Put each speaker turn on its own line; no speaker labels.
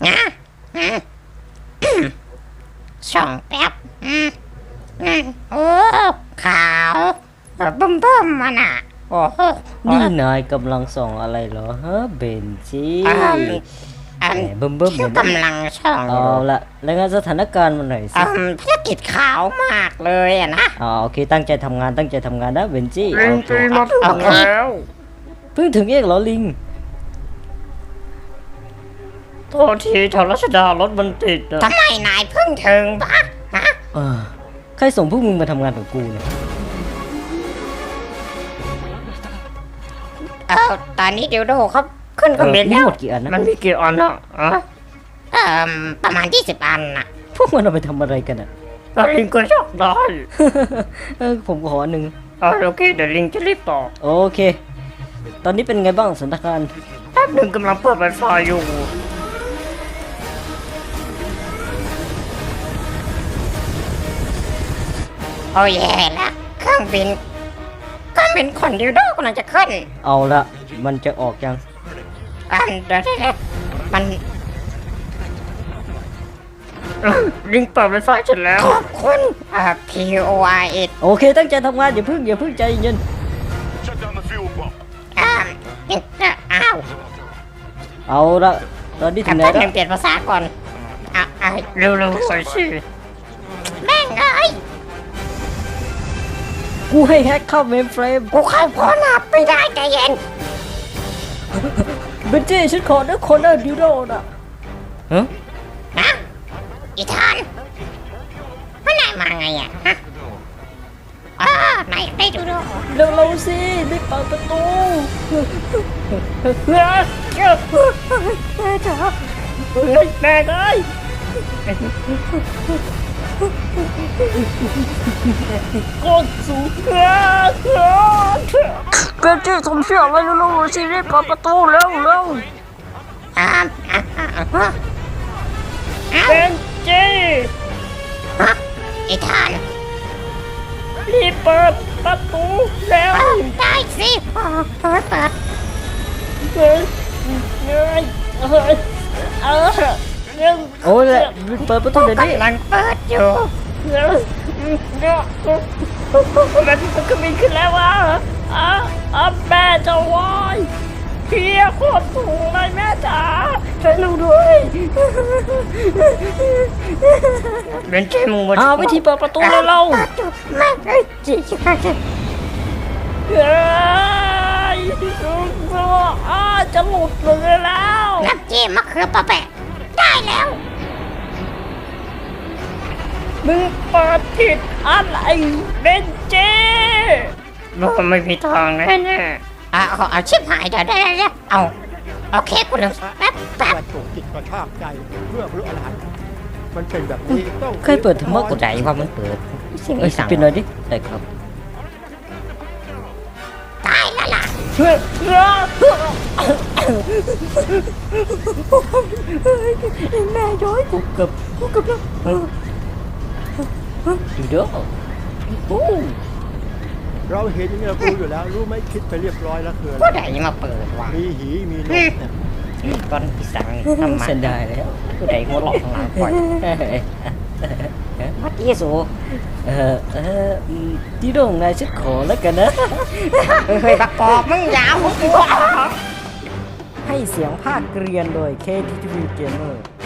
นะส่องแป๊บโอ้ขาวบึ้มมันอ่ะโอ้โห
นี่นายกำลังส่องอะไรเหรอฮะเบนจี้แหมเบิ่ม
ที่กำลังส่อง
เอาละรายงานสถานการณ์มาหน่อยสิ
ภารกิจขาวมากเลยอะนะ
โอเคตั้งใจทำงานนะเบนจี้
ลิงตีมาถึงแล้ว
เพิ่งถึงเองเหรอลิง
โทษทีชาวรัชดารถมันติด
ทำไมนายเพิ่งถึงปะฮะ
ใครส่งพวกมึงมาทำงานกับกูเนี่ย
ตอนนี้เดี๋ยวโดครับขึ้นเครื่องบินแล้ว
หมดกี่อันนะ
มันมีกี่อันอ่ะ
ประมาณ20 อันน่ะ
พวกมันเอาไปทำอะไรกันอ่ะ
ลิงก็ชอบได้
ผมขออันหนึ่ง
โอเคเดี๋ยวลิงจะรีบต่อ
โอเคตอนนี้เป็นไงบ้างสถานการณ์
แป๊บหนึ่งกำลังเปิดไวไฟอยู่
โอ้ยแย่ละเครื่องบินขนดิวโดกำลังจะขึ้น
เอาละมันจะออกยัง
เดี๋ยวมัน
ลิงเปิดไวไฟเสร็จแล้ว
ขอบคุณPOIS
โอเคตั้งใจทำงานอย่าเพิ่งใจเย็นเอาละตอนนี้ถึงไหนแล้ว
เปลี่ยนภาษาก่อน
เร็วๆใส่ชื่อ
แม่งเอ้ย
กูให้แฮกเข้าเมมเฟรม
กูเข้าพอหลับไม่ได้ใจเย็น
เบนจี้ฉันขอนะคนน่ะดิวโดน่ะ
นะอีธานมันนายมาไงอ่ะฮะนายได้ดิวโด
เร็วสิรีบเปิดประตู
แม่จ๋าแม่เอ้ย
ก้อนสูงเบนจี้ผมเชื่อไว้เร็วสิรีบเปิดประตูเร็ว
เบนจี้
อีธาน
รีบเปิดประตูแล้ว
ได้สิเปิด
โอ้ยแหละเปิดประตูเดี๋ยวนี้
กำลังเปิดอยู่
มันก็มีขึ้นแล้วว่ะแม่จะวายเพียโคตรสูงเลยแม่จ๋าช่วยหนูด้วยเป็นเจมูมา
วิธีเปิดประตูเลยเรา
แม่จี
จะหลุดเลยแล้ว
น้ำจิ้มมะเขือปะแปะได้แล้ว
มึงเปิดผิดอะไรเบนเจ้ไม่มีทางแน่
เอาชิบหายเดี๋ยวเอาโอเคกูลืมแป๊บ
ถูกจิตกระชากใจเพื่อบรรลุอรหันต์มันเป็นแบบนี้ต้อง
เคยเปิดธรรมะกูใจว่ามันเปิดเป็นอะไรดิได้ครับ
ตายแล้วล่ะ
แม่ย้อยกูกับดูเด้อ
เราเห็นอย่างนี้เรารู้อยู่แล้วรู้ไหมคิดไปเรียบร้อยแล้วคืออะไร
ผู้ใดมาเปิดวะ
มีหีมีนกเนี่ย
ตอนพี่สั่งทำมา
เส้นได้แล้ว
ผู้ใดหัวหลอกข้างหลังปล่อยวัดเยซู
ที่โด่งนายฉันขอแล้วกันนะ
เฮ้ยบักปอบมึงยาว
ให้เสียงภาคเกรียนโดย KTV Gamer